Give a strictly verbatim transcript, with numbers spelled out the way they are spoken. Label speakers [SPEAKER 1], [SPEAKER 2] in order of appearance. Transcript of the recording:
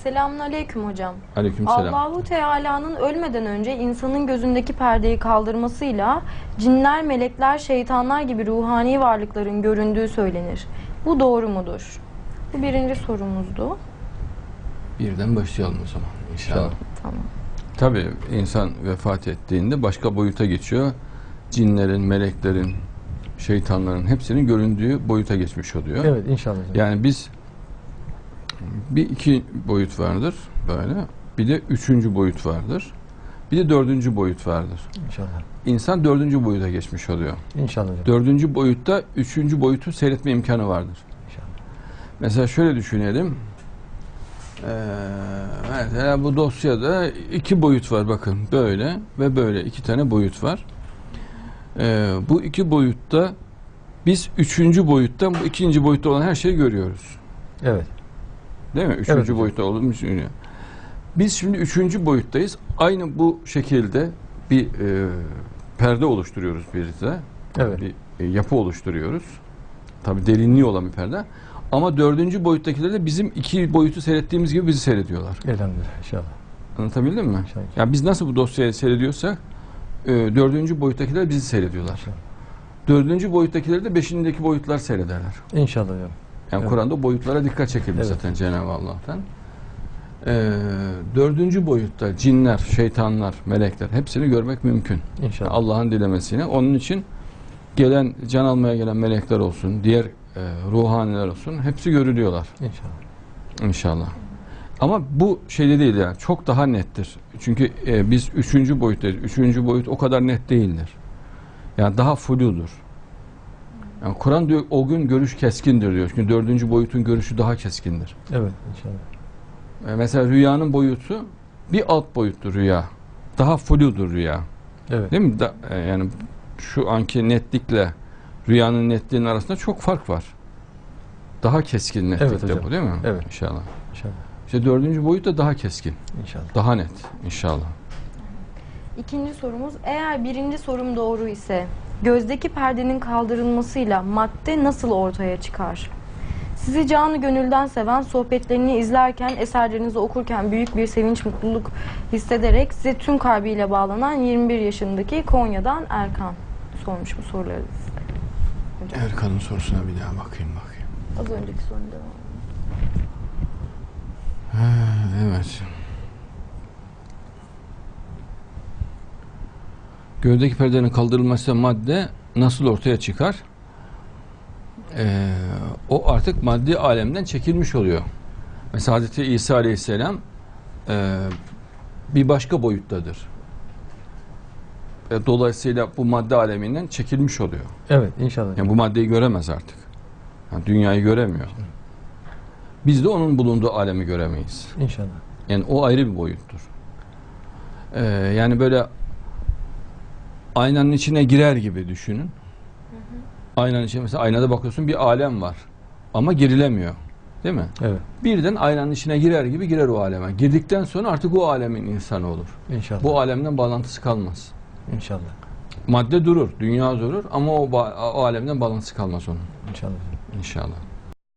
[SPEAKER 1] Selamünaleyküm hocam.
[SPEAKER 2] Aleykümselam.
[SPEAKER 1] Allahu Teala'nın ölmeden önce insanın gözündeki perdeyi kaldırmasıyla cinler, melekler, şeytanlar gibi ruhani varlıkların göründüğü söylenir. Bu doğru mudur? Bu birinci sorumuzdu.
[SPEAKER 2] Birden başlayalım o zaman inşallah.
[SPEAKER 1] Tamam.
[SPEAKER 2] Tabii insan vefat ettiğinde başka boyuta geçiyor. Cinlerin, meleklerin, şeytanların hepsinin göründüğü boyuta geçmiş oluyor.
[SPEAKER 3] Evet inşallah.
[SPEAKER 2] Yani biz bir iki boyut vardır böyle. Bir de üçüncü boyut vardır. Bir de dördüncü boyut vardır.
[SPEAKER 3] İnşallah.
[SPEAKER 2] İnsan dördüncü boyuta geçmiş oluyor.
[SPEAKER 3] İnşallah hocam.
[SPEAKER 2] Dördüncü boyutta üçüncü boyutu seyretme imkanı vardır.
[SPEAKER 3] İnşallah.
[SPEAKER 2] Mesela şöyle düşünelim. Ee, mesela bu dosyada iki boyut var bakın. Böyle ve böyle iki tane boyut var. Ee, bu iki boyutta biz üçüncü boyuttan bu ikinci boyutta olan her şeyi görüyoruz.
[SPEAKER 3] Evet.
[SPEAKER 2] Değil mi? Üçüncü
[SPEAKER 3] Evet.
[SPEAKER 2] boyutta olduğumuz düşünüyor. Biz şimdi üçüncü boyuttayız. Aynı bu şekilde bir e, perde oluşturuyoruz bir de.
[SPEAKER 3] Evet.
[SPEAKER 2] Bir e, yapı oluşturuyoruz. Tabii derinliği olan bir perde. Ama dördüncü boyuttakiler de bizim iki boyutu seyrettiğimiz gibi bizi seyrediyorlar.
[SPEAKER 3] Elhamdülillah inşallah.
[SPEAKER 2] Anlatabildim mi?
[SPEAKER 3] İnşallah.
[SPEAKER 2] Yani biz nasıl bu dosyayı seyrediyorsak e, dördüncü boyuttakiler bizi seyrediyorlar.
[SPEAKER 3] İnşallah.
[SPEAKER 2] Dördüncü boyuttakileri de beşindeki boyutlar seyrederler.
[SPEAKER 3] İnşallah hocam.
[SPEAKER 2] Yani
[SPEAKER 3] Evet.
[SPEAKER 2] Kur'an'da boyutlara dikkat çekilmiş
[SPEAKER 3] Evet.
[SPEAKER 2] zaten Cenab-ı Allah'tan. Ee, dördüncü boyutta cinler, şeytanlar, melekler hepsini görmek mümkün.
[SPEAKER 3] İnşallah.
[SPEAKER 2] Allah'ın dilemesiyle. Onun için gelen, can almaya gelen melekler olsun, diğer e, ruhaniler olsun hepsi görülüyorlar.
[SPEAKER 3] İnşallah.
[SPEAKER 2] İnşallah. Ama bu şeyde değil yani. Çok daha nettir. Çünkü e, biz üçüncü boyuttayız. Üçüncü boyut o kadar net değildir. Yani daha fludur. Yani Kur'an diyor o gün görüş keskindir diyor. Çünkü dördüncü boyutun görüşü daha keskindir.
[SPEAKER 3] Evet inşallah.
[SPEAKER 2] E, mesela rüyanın boyutu bir alt boyuttur rüya. Daha fludur rüya.
[SPEAKER 3] Evet.
[SPEAKER 2] Değil mi? Da, e, yani şu anki netlikle rüyanın netliğinin arasında çok fark var. Daha keskin netlikte
[SPEAKER 3] Evet hocam.
[SPEAKER 2] bu değil mi?
[SPEAKER 3] Evet.
[SPEAKER 2] İnşallah.
[SPEAKER 3] İnşallah.
[SPEAKER 2] İşte dördüncü boyut da daha keskin.
[SPEAKER 3] İnşallah.
[SPEAKER 2] Daha net inşallah.
[SPEAKER 1] İkinci sorumuz, eğer birinci sorum doğru ise gözdeki perdenin kaldırılmasıyla madde nasıl ortaya çıkar? Sizi canı gönülden seven, sohbetlerini izlerken, eserlerinizi okurken büyük bir sevinç, mutluluk hissederek size tüm kalbiyle bağlanan yirmi bir yaşındaki Konya'dan Erkan sormuş bu soruları. Hocam.
[SPEAKER 2] Erkan'ın sorusuna bir daha bakayım bakayım.
[SPEAKER 1] Az önceki sorun devam.
[SPEAKER 2] Ha, evet. Gözdeki perdenin kaldırılması madde nasıl ortaya çıkar? Ee, o artık maddi alemden çekilmiş oluyor. Mesela Hazreti İsa Aleyhisselam e, bir başka boyuttadır. E, dolayısıyla bu madde aleminden çekilmiş oluyor.
[SPEAKER 3] Evet inşallah.
[SPEAKER 2] Yani bu maddeyi göremez artık. Yani dünyayı göremiyor. Biz de onun bulunduğu alemi göremeyiz.
[SPEAKER 3] İnşallah.
[SPEAKER 2] Yani o ayrı bir boyuttur. Ee, yani böyle aynanın içine girer gibi düşünün. Hı hı. Aynanın içine mesela aynada bakıyorsun bir alem var. Ama girilemiyor. Değil mi?
[SPEAKER 3] Evet.
[SPEAKER 2] Birden aynanın içine girer gibi girer o aleme. Girdikten sonra artık o alemin insanı olur.
[SPEAKER 3] İnşallah.
[SPEAKER 2] Bu alemden bağlantısı kalmaz.
[SPEAKER 3] İnşallah.
[SPEAKER 2] Madde durur, dünya durur ama o, o alemden bağlantısı kalmaz onun.
[SPEAKER 3] İnşallah.
[SPEAKER 2] İnşallah.